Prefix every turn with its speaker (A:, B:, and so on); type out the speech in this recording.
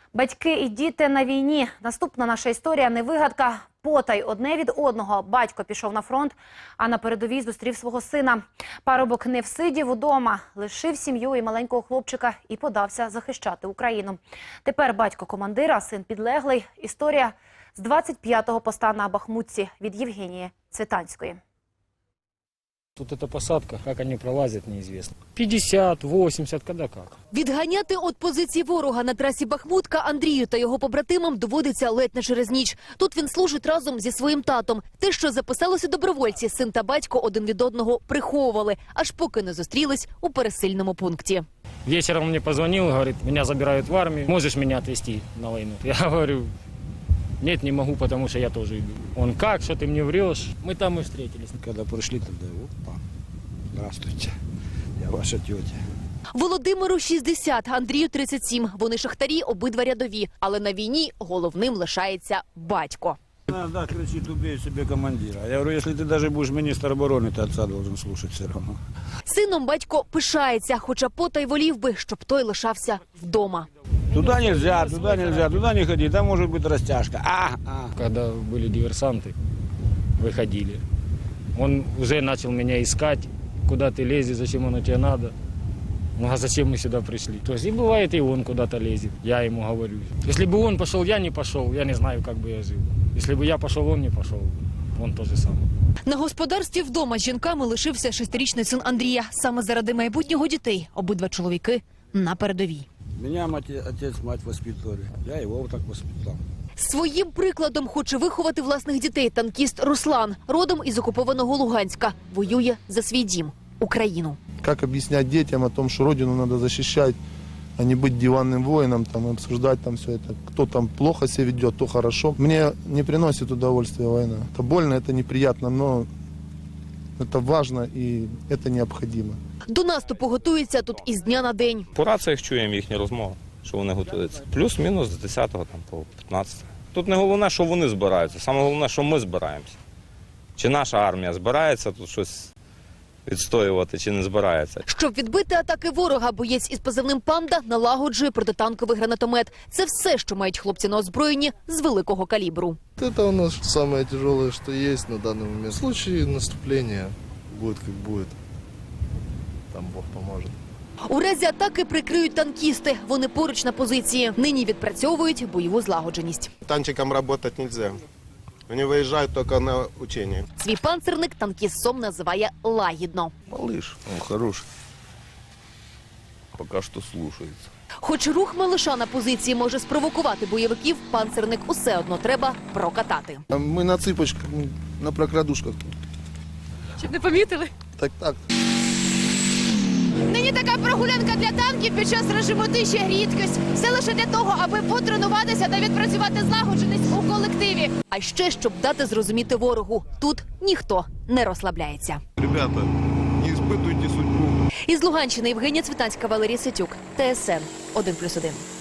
A: Батьки і діти на війні. Наступна наша історія не вигадка. Потай одне від одного. Батько пішов на фронт, а на передовій зустрів свого сина. Парубок не всидів удома, лишив сім'ю і маленького хлопчика і подався захищати Україну. Тепер батько командира, син підлеглий. Історія з 25-го поста на Бахмутці від Євгенії Цвітанської.
B: Тут эта посадка, как они пролазят, неизвестно. 50, 80, когда как.
C: Відганяти від позиції ворога на трасі Бахмутка Андрію та його побратимам доводиться ледь не через ніч. Тут він служить разом зі своїм татом. Те, що записалося добровольці, син та батько один від одного приховували, аж поки не зустрілись у пересильному пункті.
B: Вечером мне позвонил, говорит, меня забирают в армию, можешь меня отвезти на войну? Я говорю, нет, не могу, потому что я тоже иду. Он, как, что ты мне врешь? Мы там и встретились.
D: Когда пришли, тогда, опа, здравствуйте, я ваша тетя.
C: Володимиру 60, Андрію 37. Вони шахтарі, обидва рядові. Але на війні головним лишається батько.
D: Иногда кричит, убей себе командира. Я говорю, если ты даже будешь министр обороны, ты отца должен слушать все равно.
C: Сином батько пишається, хоча потай волів би, щоб той лишався вдома.
D: Туда нельзя, туда не ходи, там может быть растяжка.
B: Когда были диверсанты, выходили. Он уже начал меня искать, куда ты лезешь, зачем оно тебе надо. Ну а зачем мы сюда пришли? То есть и бывает, и он куда-то лезет, я ему говорю. Если бы он пошел, я не пошел, я не знаю, как бы я жил. Если бы я пошел, он не пошел, он то же самое.
C: На господарстві вдома з жінками лишився 6-річний син Андрія. Саме заради майбутнього дітей обидва чоловіки на передовій.
D: Меня отец, мать воспитывали, я его вот так воспитал.
C: Своїм прикладом хоче виховати власних дітей танкіст Руслан. Родом із окупованого Луганська. Воює за свій дім – Україну.
E: Как объяснять детям о том, что родину надо защищать, а не быть диванным воином, там, и обсуждать там все это. Кто там плохо себя ведет, то хорошо. Мне не приносит удовольствия война. Это больно, это неприятно, но это важно и это необходимо.
C: До наступу готується тут із дня на день.
F: По раціях чуємо їхні розмови, що вони готуються. Плюс-мінус з 10 там, по 15. Тут не головне, що вони збираються, саме головне, що ми збираємося. Чи наша армія збирається тут щось відстоювати, чи не збирається.
C: Щоб відбити атаки ворога, боєць із позивним «Панда» налагоджує протитанковий гранатомет. Це все, що мають хлопці на озброєнні з великого калібру.
G: Это у нас самое тяжелое, что есть на данный момент. В случае наступления будет как будет. Там Бог поможет.
C: У разі атаки прикриють танкісти. Вони поруч на позиції. Нині відпрацьовують бойову злагодженість.
H: Танчикам работать нельзя. Они выезжают только на учения.
C: Свій панцирник танкіст Сом називає лагідно.
H: Малыш, он хороший. Пока что слушается.
C: Хоч рух малиша на позиції може спровокувати бойовиків, панцирник усе одно треба прокатати.
E: Мы на цыпочках, мы на прокрадушках.
C: Щоб не помітили?
E: Так.
C: Нині така прогулянка для танків під час режиму тиші – рідкість. Все лише для того, аби потренуватися та відпрацювати злагодженість у колективі. А ще, щоб дати зрозуміти ворогу. Тут ніхто не розслабляється.
H: Ребята, не испытывайте судьбу.
C: Із Луганщини Євгенія Цвітанська, Валерій Ситюк, ТСН 1+1.